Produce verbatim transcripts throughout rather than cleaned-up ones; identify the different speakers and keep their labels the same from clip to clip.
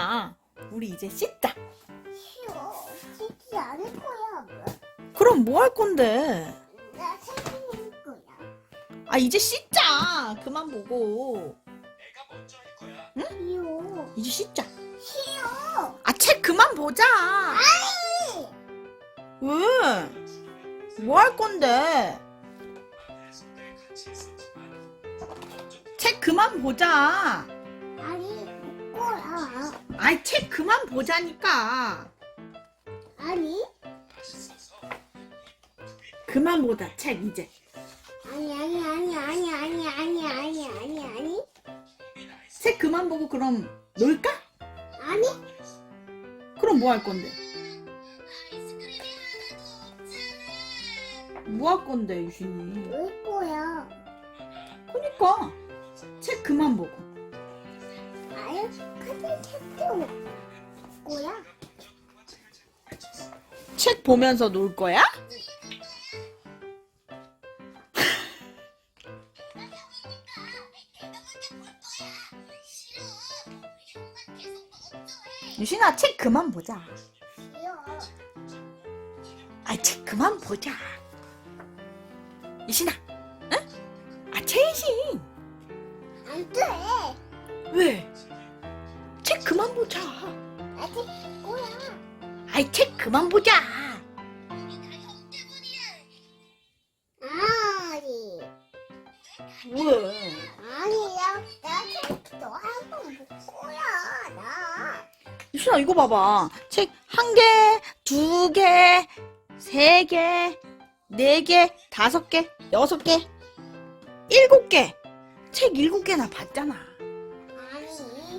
Speaker 1: 유신아, 우리 이제 씻자.
Speaker 2: 싫어. 씻지 않을 거야.
Speaker 1: 그럼 뭐 할 건데?
Speaker 2: 나 생일 거야.
Speaker 1: 아, 이제 씻자. 그만 보고.
Speaker 2: 싫어.
Speaker 1: 이제 씻자.
Speaker 2: 싫어.
Speaker 1: 아, 책 그만 보자.
Speaker 2: 아니.
Speaker 1: 왜? 뭐 할 건데? 책 그만 보자.
Speaker 2: 아니, 볼 거야.
Speaker 1: 아이, 책 그만 보자니까.
Speaker 2: 아니.
Speaker 1: 그만 보자, 책 이제.
Speaker 2: 아니, 아니, 아니, 아니, 아니, 아니, 아니, 아니, 아니.
Speaker 1: 책 그만 보고 그럼 놀까?
Speaker 2: 아니.
Speaker 1: 그럼 뭐 할 건데? 뭐 할 건데, 유신이?
Speaker 2: 볼 거야.
Speaker 1: 그니까 책 그만 보고.
Speaker 2: 아유, 카드 책도 볼 거야.
Speaker 1: 책 보면서 놀 거야? 유신아, 책 그만 보자.
Speaker 2: 싫어.
Speaker 1: 아, 책 그만 보자. 유신아, 응? 아, 최신.
Speaker 2: 안 돼.
Speaker 1: 왜? 책 그만 보자.
Speaker 2: 아직 볼 거야.
Speaker 1: 아이, 책 그만 보자.
Speaker 2: 아니.
Speaker 1: 왜?
Speaker 2: 아니야. 나 책도 한 번 볼 거야. 나.
Speaker 1: 유신아, 이거 봐봐. 책 한 개, 두 개, 세 개, 네 개, 다섯 개, 여섯 개, 일곱 개. 책 일곱 개나 봤잖아.
Speaker 2: 아니.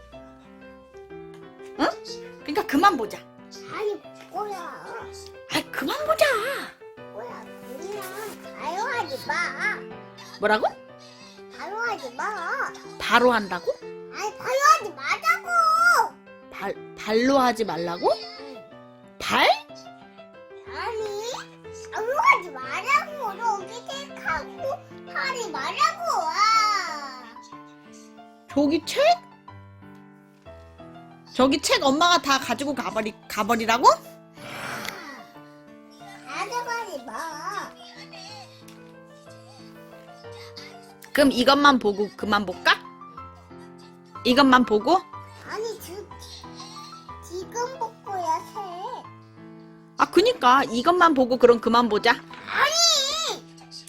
Speaker 1: 응? 그러니까 그만 보자.
Speaker 2: 아니, 볼 거야.
Speaker 1: 아이, 그만 보자.
Speaker 2: 뭐야, 그냥 가요하지 마.
Speaker 1: 뭐라고?
Speaker 2: 가요하지 마.
Speaker 1: 바로 한다고?
Speaker 2: 아니, 가요하지 마자고.
Speaker 1: 발, 발로 하지 말라고? 발?
Speaker 2: 아니, 가요하지 마자고. 여기 책하고 하지 마자고. 아.
Speaker 1: 저기 책? 저기 책 엄마가 다 가지고 가버리, 가버리라고?
Speaker 2: 가져가지 마.
Speaker 1: 그럼 이것만 보고 그만 볼까? 이것만 보고?
Speaker 2: 아니, 지, 지금 볼 거야, 책.
Speaker 1: 아, 그니까 이것만 보고 그럼 그만 보자.
Speaker 2: 아니!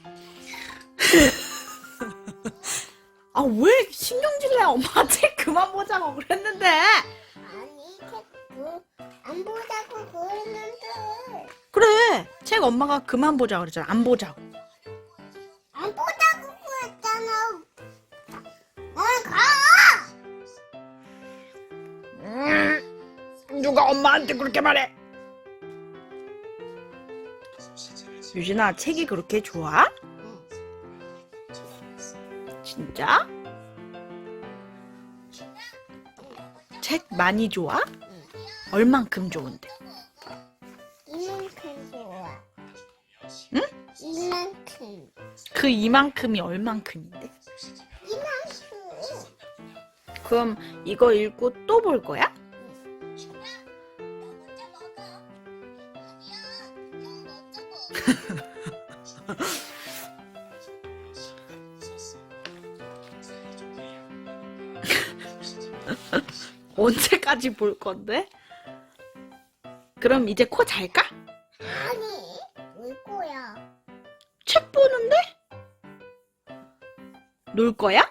Speaker 1: 아, 왜 신경질 내? 엄마가 책 그만 보자고 그랬는데.
Speaker 2: 아니, 책 뭐, 안 보자고 그랬는데.
Speaker 1: 그래, 책 엄마가 그만 보자 그랬잖아. 안 보자고.
Speaker 2: 안 보자고 그랬잖아. 어, 가!
Speaker 1: 음, 누가 엄마한테 그렇게 말해? 유진아, 책이 그렇게 좋아? 진짜? 책 많이 좋아? 얼만큼 좋은데?
Speaker 2: 이만큼 좋아.
Speaker 1: 응?
Speaker 2: 이만큼.
Speaker 1: 그 이만큼이 얼만큼인데?
Speaker 2: 이만큼.
Speaker 1: 그럼 이거 읽고 또 볼 거야? 언제까지 볼 건데? 그럼 이제 코 잘까?
Speaker 2: 아니, 울 거야.
Speaker 1: 책 보는데? 놀 거야?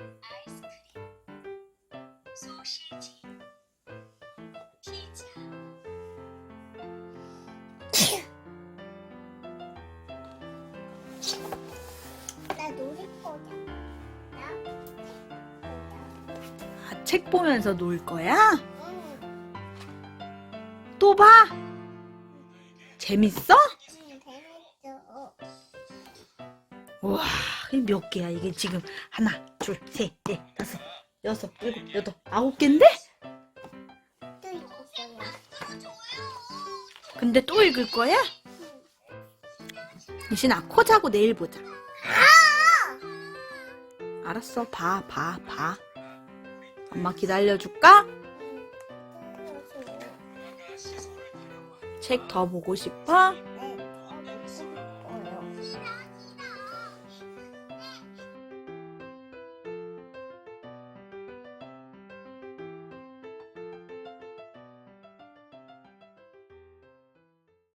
Speaker 2: 나 놀을 거야. 나?
Speaker 1: 아, 책 보면서 놀 거야?
Speaker 2: 응,
Speaker 1: 또 봐? 재밌어?
Speaker 2: 응, 재밌어.
Speaker 1: 우와, 이게 몇 개야? 이게 지금 하나, 둘, 셋, 넷, 다섯, 여섯, 일곱, 여덟, 아홉 개인데?
Speaker 2: 또 읽을 거야.
Speaker 1: 근데 또 읽을 거야? 유신아, 코 자고 내일 보자. 알았어, 봐, 봐, 봐. 엄마 기다려줄까? 책 더 보고 싶어?
Speaker 2: 응.